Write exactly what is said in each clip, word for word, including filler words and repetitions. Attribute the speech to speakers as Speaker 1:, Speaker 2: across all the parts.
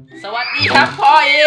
Speaker 1: สวัสดีครับพ่อเอง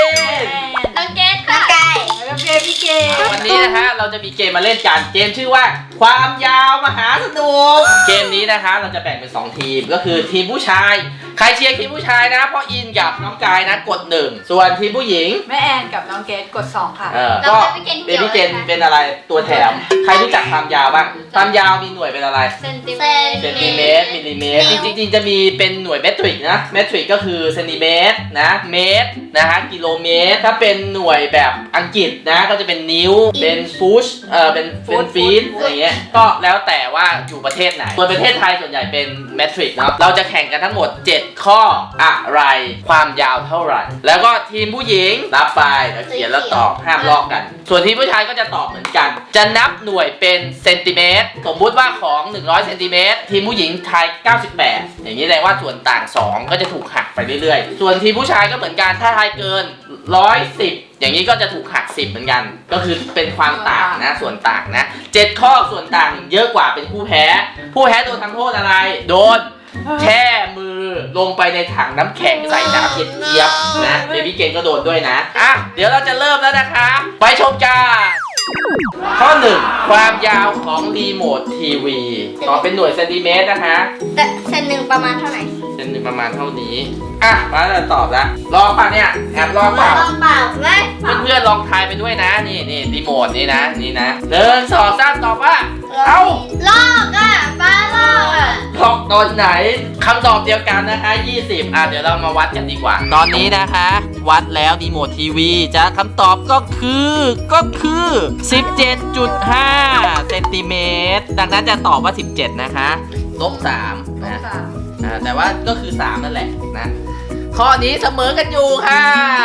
Speaker 2: น้องเกดค่ะไก่แล้วเกดพี่เกด
Speaker 1: วันนี้นะฮะเราจะมีเกมมาเล่นกันเกมชื่อว่าความยาวมหาสนุกเกมนี้นะคะเราจะแบ่งเป็นสองทีมก็คือทีมผู้ชายใครเชียร์ทีมผู้ชายนะพ่ออินกับน้องกายนะกดหนึ่งส่วนทีมผู้หญิง
Speaker 2: แม่แอนกับน้องเกดกดสองค่ะ
Speaker 1: เออก็เบบี้เกนเป็นอะไรตัวแถมใครรู้จักความยาวบ้างความยาวมีหน่วยเป็นอะไร
Speaker 2: เซนติเมตร
Speaker 1: เซนติเมตรมิลลิเมตรจริงๆจะมีเป็นหน่วยเมตริกนะเมตริกก็คือเซนติเมตรนะเมตรนะฮะกิโลเมตรถ้าเป็นหน่วยแบบอังกฤษนะก็จะเป็นนิ้วเป็นฟุตเออเป็นเป็นฟีตอะไรเงี้ยก็แล้วแต่ว่าอยู่ประเทศไหนส่วนประเทศไทยส่วนใหญ่เป็นเมตริกเนาะเราจะแข่งกันทั้งหมดเจ็ดข้ออะไรความยาวเท่าไหร่แล้วก็ทีมผู้หญิงรับไปแล้วเขียนแล้วตอบห้ามลอกกันส่วนทีมผู้ชายก็จะตอบเหมือนกันจะนับหน่วยเป็นเซนติเมตรสมมุติว่าของหนึ่งร้อยเซนติเมตรทีมผู้หญิงทายเก้าสิบแปดอย่างนี้แสดงว่าส่วนต่างสองก็จะถูกหักไปเรื่อยๆส่วนทีมผู้ชายก็เหมือนกันถ้าทายเกินหนึ่งร้อยสิบอย่างนี้ก็จะถูกหักสิบเหมือนกันก็คือเป็นความต่างนะส่วนต่างนะเจ็ดข้อส่วนต่างเยอะกว่าเป็นผู้แพ้ผู้แพ้โดนทำโทษอะไรโดนแช่มือลงไปในถังน้ำแข็งใส่น้ำเย็บๆนะเบบี้เกนก็โดนด้วยนะอ่ะเดี๋ยวเราจะเริ่มแล้วนะคะไปชมกันข้อหนึ่งความยาวของรีโมททีวีตอบเป็นหน่วยเซนติเมตรนะคะ
Speaker 3: แต่เซนหนึ่งประมาณเท่าไหร่
Speaker 1: เซนหนึ่งประมาณเท่านี้อ่ะมาจะตอบละลองป่ะเนี่ยแอบลองเปล่า
Speaker 3: ลองเปล่าไหม
Speaker 1: เพื่อนๆลองทายไปด้วยนะนี่นี่รีโมทนี่นะนี่นะหนึ่งสองสามตอบว่าเอ้า
Speaker 3: ลอกอ่ะป้าลอกอ่ะ
Speaker 1: ลอกตอนไหนคำตอบเดียวกันนะคะยี่สิบอ่ะเดี๋ยวเรามาวัดกันดีกว่า ตอนนี้นะคะ วัดแล้วรีโมททีวีจะคำตอบก็คือก็คือ สิบเจ็ดจุดห้า เซนติเมตรดังนั้นจะตอบว่าสิบเจ็ดนะคะลบสามนะ
Speaker 2: สาม
Speaker 1: อ่าแต่ว่าก็คือสามนั่นแหละนะข้อนี้เสมอกันอยู่ค่ะ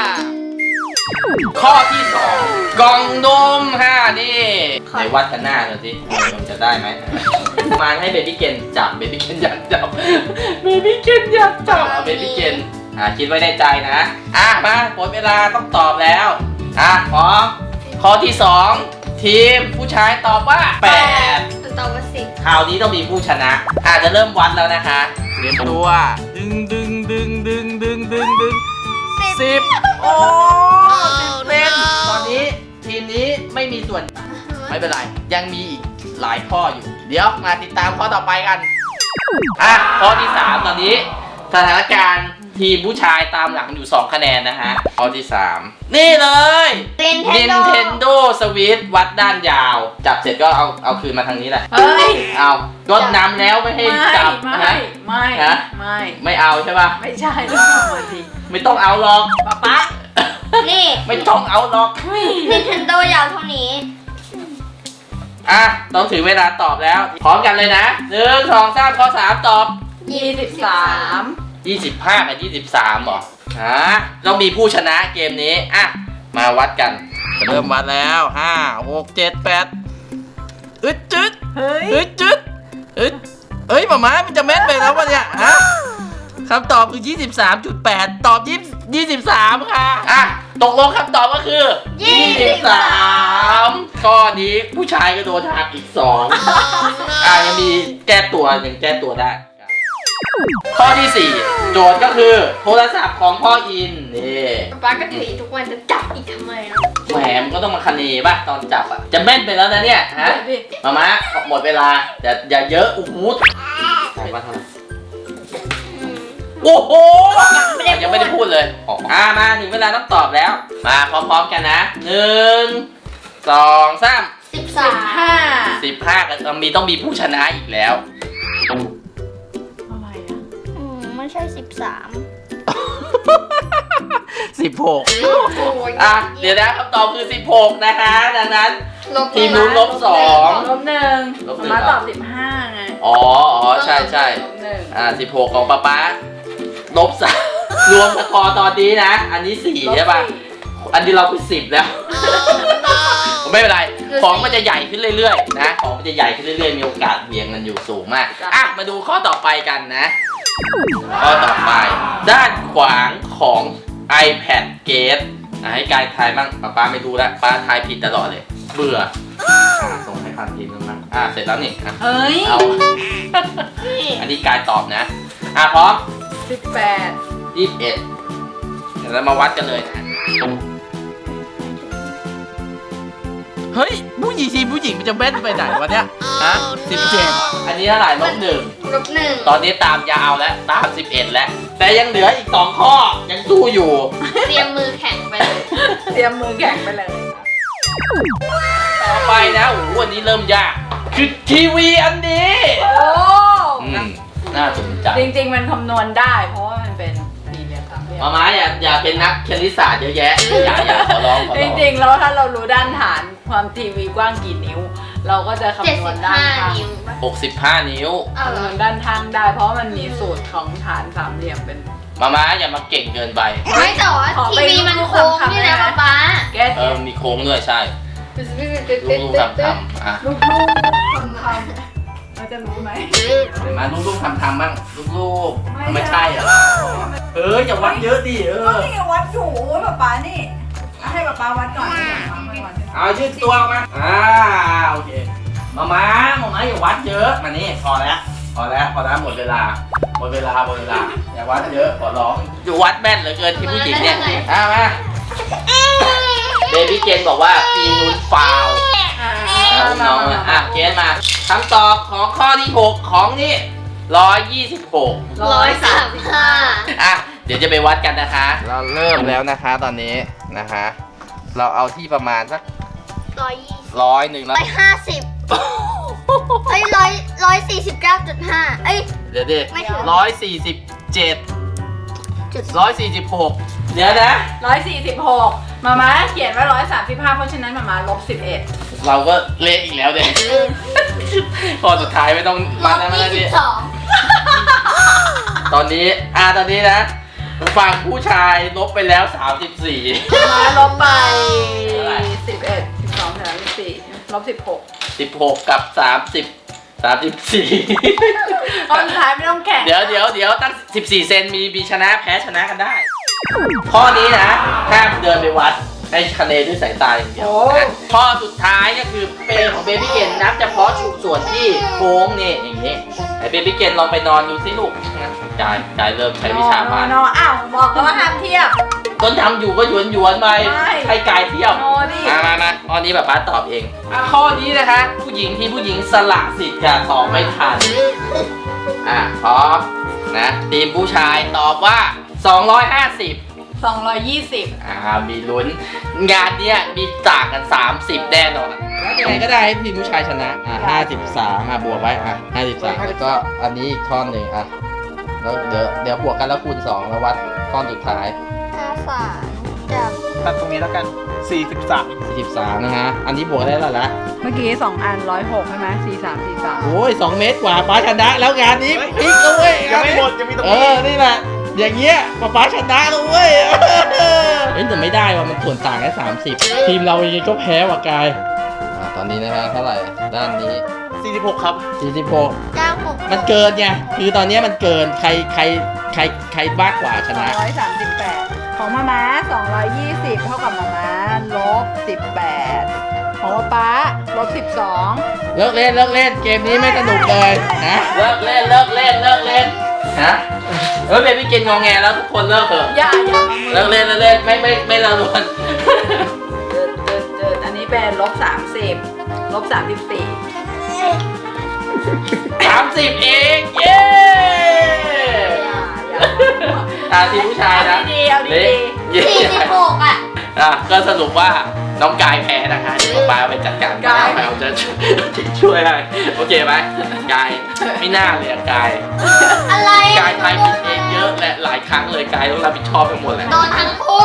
Speaker 1: ข้อที่สองกล่องนมค่ะนี่ไหนวัดกันหน้าหน่อยสิมันจะได้ไหมมาให้เบบี้เกนจับเบบี้เกนอยากจับเบบี้เกนอยากจับเบบี้เกนอ่าคิดไว้ในใจนะอ่ะมาหมดเวลาต้องตอบแล้วอ่ะพร้อมข้อที่สองทีมผู้ชายตอบว่าแปด
Speaker 3: ตอบว่าสิบ
Speaker 1: คราวนี้ต้องมีผู้ชนะอาจจะเริ่มวัดแล้วนะคะเตรียมตัวดึงดึงดึงดึงดึงดึงดึงสิบโอ้สิบเป็นตอนนี้ทีมนี้ไม่มีส่วนไม่เป็นไรยังมีอีกหลายข้ออยู่เดี๋ยวมาติดตามข้อต่อไปกันอ่ะข้อที่สามตอนนี้สถานการณ์ทีมผู้ชายตามหลังอยู่สองคะแนนนะฮะข้อที่สามนี่เลย Nintendo Switch วัดด้านยาวจับเสร็จก็เอาเอาคืนมาทางนี้แหละ
Speaker 2: เฮ้ย
Speaker 1: เอาก็นำแล้วไม่ให้
Speaker 2: ไม่
Speaker 1: จับ
Speaker 2: ไม่
Speaker 1: นะ
Speaker 2: ไม่
Speaker 1: ฮะ
Speaker 2: ไม่
Speaker 1: ไม่เอาใช่ป่ะ
Speaker 2: ไม่ใช่ต้องทำมาที
Speaker 1: ไม่ต้องเอาหรอก
Speaker 2: ป๊าป๊า
Speaker 3: นี่
Speaker 1: ไม่ต้องเอาหรอก
Speaker 3: Nintendo ยาวเท่านี้
Speaker 1: อ่ะต้องถึงเวลาตอบแล้ว พร้อมกันเลยนะหนึ่งสองสามข้อสามตอบ
Speaker 2: ยี่สิบสาม
Speaker 1: ยี่สิบห้ากับยี่สิบสามหรอฮะต้องมีผู้ชนะเกมนี้อ่ะมาวัดกันจะเริ่มวัดแล้วห้าหกเจ็ดแปดอึดจึด
Speaker 2: เฮ้ย
Speaker 1: อึดจึดอึดเอ้ยหมาม้ามันจะแม่นไปแล้ววะเนี่ยฮะคำตอบคือ ยี่สิบสามจุดแปด ตอบยี่สิบสามค่ะอ่ะตกลงคำตอบก็คือ ยี่สิบสามข้อนี้ผู้ชายก็โดนหักอีกสองอ่ะยังมีแก้ตัวยังแก้ตัวได้ข้อที่สี่โจทย์ก็คือโทรศัพท์ของพ่ออินนี่
Speaker 3: ป้าก็ถือทุกวันจะจับอีกทำไมอ่ะ
Speaker 1: แหมมันก็ต้องมาคะเนป่ะตอนจับอ่ะจะแม่นไปแล้วนะเนี่ยฮะมามาหมดเวลาอย่าอย่าเยอะอู้หูใส่ว่าเท่าไหร่โอ้โหยังไม่ได้พูดเลยอ่ามาถึงเวลาต้องตอบแล้ว มาพร้อมๆกันนะหนึ่งสองสาม
Speaker 3: สิบ
Speaker 2: สิ
Speaker 3: สา
Speaker 2: บ
Speaker 3: ม
Speaker 2: ห้า
Speaker 1: สิบห้ากันมีต้องมีผู้ชนะอีกแล้ว
Speaker 2: อะไรอ่ะ
Speaker 3: อืมไม่ใช่สิบสาม
Speaker 1: สิบหกอ่ะเดี๋ยวนะคำตอบคือสิบหกนะคะดังนั้นทีมนู้นลบสอง
Speaker 2: ลบหนึ่ง
Speaker 1: ลบหนึ่ง
Speaker 2: มาตอบสิบห้าไง
Speaker 1: อ๋ออ๋อใช่ใช่
Speaker 2: ลบหนึ่ง
Speaker 1: อ่าสิบหกของป๊าป๊าลบสามรวมสกอร์ตอนนี้นะ อันนี้สี่ใช่ป่ะ อันนี้เราเป็นสิบแล้ว ไม่เป็นไร ของมันจะใหญ่ขึ้นเรื่อยๆนะ ของมันจะใหญ่ขึ้นเรื่อยๆ มีโอกาสเบี่ยงกันอยู่สูงมาก อ่ะ มาดูข้อต่อไปกันนะ ข้อต่อไป ด้านขวางของ iPad Case อ่ะให้กายทายบ้างป๊าป๊าไม่รู้แล้วป๊าทายผิดตลอดเลย เบื่ออ่ะส่งให้พันทีนึงบ้างอ่ะเสร็จแล้วนี่อ่ะ
Speaker 2: เฮ้ย
Speaker 1: เอา อันนี้กายตอบนะ อ่ะพร้อม
Speaker 2: สิบแปด
Speaker 1: ยี่สิบเอ็ดกเดี๋ยวเรามาวัดกันเลยนะเฮ้ยผู้หญิงทีผู้หญิงมันจะแม่นไปไหนวะเนี่ยฮะสิบเจ็ดอันนี้เท่าไหร่ลบหนึ่ง
Speaker 3: ลบหนึ่ง
Speaker 1: ตอนนี้ตามยาวแล้วตามสิบเอ็ดแล้วแต่ยังเหลืออีกสองข้อยังสู้อยู่
Speaker 3: เตรียมมือแข็งไปเลย
Speaker 2: เตรียมมือแข็งไปเลย
Speaker 1: ต่อไปนะโอ้โหวันนี้เริ่มยากคือทีวีอันนี้
Speaker 2: โอ้
Speaker 1: อืมน่าสนใจ
Speaker 2: จริงๆมันคำนวณได้ เพราะว่ามันเป็นสี่เหลี่ยมสามเหลี่ยม
Speaker 1: มาม้าอย่าอย่าเป็นนักคณิตศาสตร์เยอะแยะอย่าอย่าขอร้องขอ
Speaker 2: จ
Speaker 1: ร้อง
Speaker 2: ริงๆแล้วถ้าเรารู้ด้านฐานความทีวีกว้างกี่นิ้ว เราก็จะ
Speaker 3: เจ็ด
Speaker 2: คำนว
Speaker 3: สิ
Speaker 2: ณ
Speaker 3: บ
Speaker 2: ด้าน
Speaker 3: ห้า
Speaker 2: ข้าง
Speaker 3: นิ้วปะ
Speaker 1: หกสิบห้านิ้ว
Speaker 3: อ้าวเหร
Speaker 2: คำน
Speaker 3: อ
Speaker 2: วณด้านข้างได้ เพราะมันมีสูตรของฐานสามเหลี่ยมเป็น
Speaker 1: มาม้าอย่ามาเก่งเกินไป
Speaker 3: ไม่แต่ว่า
Speaker 2: ขอ
Speaker 3: ที
Speaker 2: ไป
Speaker 3: วีมัน
Speaker 2: ดู
Speaker 3: โค้ง
Speaker 2: คำๆ
Speaker 3: นี่
Speaker 2: ได้
Speaker 3: นะ
Speaker 2: ไหม
Speaker 3: ป๊าป๊า
Speaker 2: แก้
Speaker 1: เออมีโค้งด้วยใช่ลูกๆทำทำอ่ะ
Speaker 2: ลูกลูกคำคำเราจะรู้ไหม
Speaker 1: เห็นไหมาลูกๆทำทำบ้างลูกๆ
Speaker 2: ไม่
Speaker 1: ไม่
Speaker 2: ใช่
Speaker 1: ใช่เหรอเอออย่าวัดเยอะดิเอ
Speaker 2: ก็
Speaker 1: อ
Speaker 2: นี่ไงวัดถูป๊าป๊านี่เอาให้ป๊าป๊าวัดก่อนให้ป๊าป๊าไม่วัด
Speaker 1: เอายืดตัวออกมาอ่าโอเคมาม้ามาม้าอย่าวัดเยอะมานี่พอแล้วพอแล้วพอแล้วหมดเวลาหมดเวลาหมดเวลาอย่าวัดเยอะขอร้องอยู่วัดแม่นเหลือเกินที่ผู้หญิงเนี่ยอ่ะมาเบบี้เกนบอกว่าทีมนู้นฟาวล์
Speaker 2: อ่า
Speaker 1: อ่ะอุ้มน้องมาอ่ะเกนมาคำตอบของข้อที่หกของนี่ร้อยยี่สิบหก
Speaker 3: ร้อยสามสิบห้า
Speaker 1: อ่ะเดี๋ยวจะไปวัดกันนะคะ เราเริ่มแล้วนะคะตอนนี้นะคะ เราเอาที่ประมาณสัก
Speaker 3: ร้อยยี่สิบ
Speaker 1: ร้อยหนึ่งแล้ว
Speaker 3: ร้อยห้าสิบเอ้ยร้อยร้อยสี่สิบเก้าจุดห้าเอ้ย
Speaker 1: เดี๋ยวดิ
Speaker 3: ไม่ถึง
Speaker 1: ร้อยสี่สิบเจ็ด
Speaker 3: จุด
Speaker 1: ร้อยสี่สิบหกเดี๋ยวนะ
Speaker 2: ร้อยสี่สิบหกมาม่าเขียนว่าร้อยสามสิบห้าเพราะฉะนั้นมาม่าลบสิบเอ็ด
Speaker 1: เราก็เละอีกแล้วเด็กข้อสุดท้ายไม่ต้อง
Speaker 3: ล
Speaker 1: มา
Speaker 3: บ
Speaker 1: แล้ว
Speaker 3: ยี่
Speaker 1: นะ
Speaker 3: สิ
Speaker 1: ดิ
Speaker 3: บสอง
Speaker 1: ตอนนี้อ่าตอนนี้นะฝั่งผู้ชายลบไปแล้วสามสิบสี่
Speaker 2: มาม่าลบไป
Speaker 1: เท่าไหร่
Speaker 2: สิบเอ็ดสิบสองสามสิบสี่ลบสิบหก
Speaker 1: สิบหกกับสามสิบสามสิบสี่
Speaker 2: ตอนสุดท้ายไม่ต้องแข่ง
Speaker 1: เดี๋ยวเดี๋ยวเดี๋ยวตั้งสิบสี่เซนมีมีชนะแพ้ชนะกันได้ ข้อนี้นะห้ามเดินไปวัดให้คะแนนด้วยสายตาอย่างเดียวนะข้อสุดท้ายก็คือเปรของเบบี้เกนนับเฉพาะส่วนที่โค้งนี่อย่างนี้ไอเบบี้เกนลองไปนอนดูสิลูกนะกายกายเริ่มใช้วิชามาก
Speaker 2: โนโนอ้าวบอกแล้วว่าห้ามเทียบ
Speaker 1: ต้นทำอยู่ก็หยวนหยวนๆไป
Speaker 2: ไม่
Speaker 1: ให้กายเที่ยว
Speaker 2: โนดิ
Speaker 1: มามามาข้อนี้แบบป้าตอบเองอ่ะข้อนี้นะคะ ผู้หญิงที่ผู้หญิงสละสิทธิ์จะตอบไม่ทันอ่ะพร้อมนะทีมผู้ชายตอบว่า สองร้อยห้าสิบ
Speaker 2: สองร้อยยี่สิบ
Speaker 1: อ่ามีลุ้นงานเนี้ยมีต่างกัน สามสิบ แน่นอนแล้วยังไงก็ได้ให้ทีมผู้ชายชนะอ่ะห้าสิบสามอ่ะบวกไว้อ่ะห้าสิบสามแล้วก็อันนี้อีกท่อนหนึ่งอ่ะแล้วเดี๋ยวเดี๋ยวบวกกันแล้วคูณสองแล้ววัดท่อนสุดท้าย
Speaker 3: ห้าสามจับ
Speaker 4: ตัดตรงนี้แล้วกัน สี่สิบสาม
Speaker 1: สี่สิบสามนะฮะอันนี้บวกได้แล้วละ
Speaker 2: เมื่อกี้สองอันร้อยหกใช่ไหมสี่สามสี่สาม
Speaker 1: โอ้ยสองเมตรกว่าป้าชนะแล้วงานนี้พลิกแล้วเว้ย
Speaker 4: ยังไม่หมดยังมีตรง
Speaker 1: เอ
Speaker 4: นี้
Speaker 1: อนี่แหละอย่างเงี้ยป้าป้าชนะแล้วเว้ยเอ้ยแต่ไม่ได้ว่ะมันส่วนต่างแค่สามสิบทีมเรายังไงก็แพ้ว่ะกายอ่าตอนนี้นะฮะเท่าไหร่ด้านนี้
Speaker 4: สี่สิบหกครับ
Speaker 1: สี่สิบหก
Speaker 3: เก้าหก
Speaker 1: มันเกินไง คือตอนนี้มันเกิน ใคร ใคร ใคร ใครมากกว่าช
Speaker 2: สอง
Speaker 1: นะ
Speaker 2: ร้อยสามสิบแปดของมาม้าสองร้อยยี่สิบเท่ากับมาม้าลบสิบแปดของป๊าป๊าลบสิบสอง
Speaker 1: เลิกเล่น เลิกเล่น เกมนี้ไม่สนุกเลยนะ เลิกเล่น เลิกเล่น เลิกเล่น ฮะ เออเบบี้เกนงองแงแล้วทุกคนเลิกเถอะ
Speaker 2: อย่าอย่ามามือ
Speaker 1: เลิกเล่น เลิกเล่น ไม่ ไม่ ไม่ละลวน
Speaker 2: เดินเดินเดินอันนี้เป็นลบสามสิบลบสามสิบสี่
Speaker 1: สามสิบเอง เย้ อ่าทีมผู้ชายนะ
Speaker 2: เอาดีๆเอาดี
Speaker 1: เย้
Speaker 3: สี่สิบหกอ่ะ
Speaker 1: อ่ะก็สรุปว่าน้องกายแพ้นะคะเดี๋ยวป้าไปจัดการป้าไปเอาจะช่วยให้โอเคไหมกายไม่น่าเลยอะกาย
Speaker 3: อะไร
Speaker 1: กายทายผิดเองเยอะและหลายครั้งเลยกายต้องรับผิดชอบไปหมดแหละ
Speaker 3: โดนทั้งคู่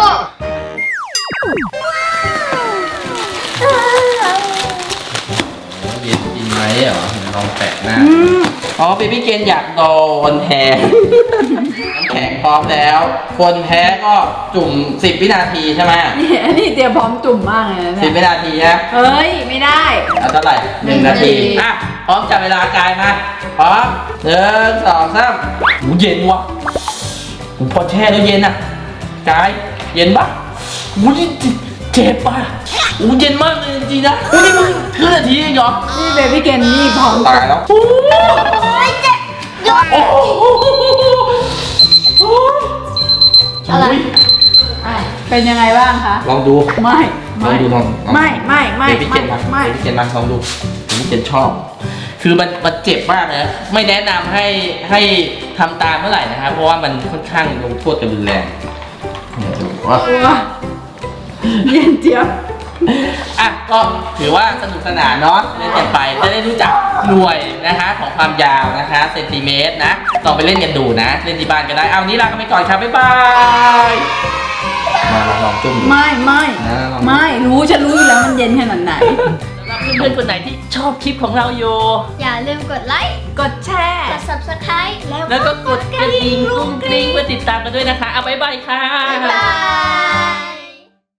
Speaker 1: เย็นจริงไหมเหรอลองแปะหน้าอ๋อเบบี้เกนอยากโดนแทนน้ำแข็งพร้อมแล้ว คนแพ้ก็จุ่มสิบวินาทีใช่ไหม
Speaker 2: ๆนี่อันนี้เตรียมพร้อมจุ่มมากเลยนะ
Speaker 1: สิบ
Speaker 2: เนี่ย
Speaker 1: วินาทีนะ
Speaker 2: เฮ้ย ไม่ได้
Speaker 1: เอาเท่าไหร่หนึ่งนาที
Speaker 2: หนึ่งนาที
Speaker 1: อ่ะพร้อมจับเวลากายมาพร้อมหนึ่งสองสามหูเย็นว่ะหูพอแช่แล้วเย็นอ่ะกายเย็นปะหูเจ็บป่ะหูเย็นมากเลยจริงๆนะหูนี่มึงครึ่งนาทีเองเหรอ
Speaker 2: นี่เบบี้เกนนี่พร้อม
Speaker 1: ตายแล้ว
Speaker 3: โอ้ยเจ็บหยุด
Speaker 1: โอ้โห
Speaker 3: อะไร
Speaker 1: อุ๊ย
Speaker 2: เป็นยังไงบ้างคะ
Speaker 1: ลองดู
Speaker 2: ไม่
Speaker 1: ลองดูลองลอง
Speaker 2: ไม่ไม่ไม่
Speaker 1: เดี๋ยวพี่เจนมา
Speaker 2: ไม่
Speaker 1: เดี๋ยวพี่เจนมาลองดูพี่เจนชอบ คือมันมันเจ็บมากนะไม่แนะนำให้ให้ทำตามเมื่อไหร่นะครับเพราะว่ามันค่อนข้างลงโทษกันรุนแรงเนี่ยดูว่า
Speaker 2: ตัวเย็นเจี๊ยบ
Speaker 1: อ่ะก็ถือว่าสนุกสนานเนาะเล่นกันไปจะได้รู้จักหน่วยนะคะของความยาวนะคะเซนติเมตรนะลองไปเล่นกันดูนะ เล่นที่บ้านก็ได้เอาวันนี้ลากันไปก่อนครับบ๊ายบายมาลองจุ่มดู
Speaker 2: ไม่ไม่
Speaker 1: นะลองดู
Speaker 2: ไม่รู้ฉันรู้อยู่แล้วมันเย็นขนาดไหน
Speaker 1: สำหรับเพื่อนๆคนไหนที่ชอบคลิปของเราอยู่
Speaker 3: อย่าลืมกดไลค์
Speaker 2: กดแชร์
Speaker 3: กด ซับสไครบ์ แล้ว
Speaker 1: แล้วก็กดกระดิ่งกรุ้งกริ้งเพื่อติดตามกันด้วยนะคะเอาบ๊ายบายค่ะ
Speaker 3: บ๊ายบาย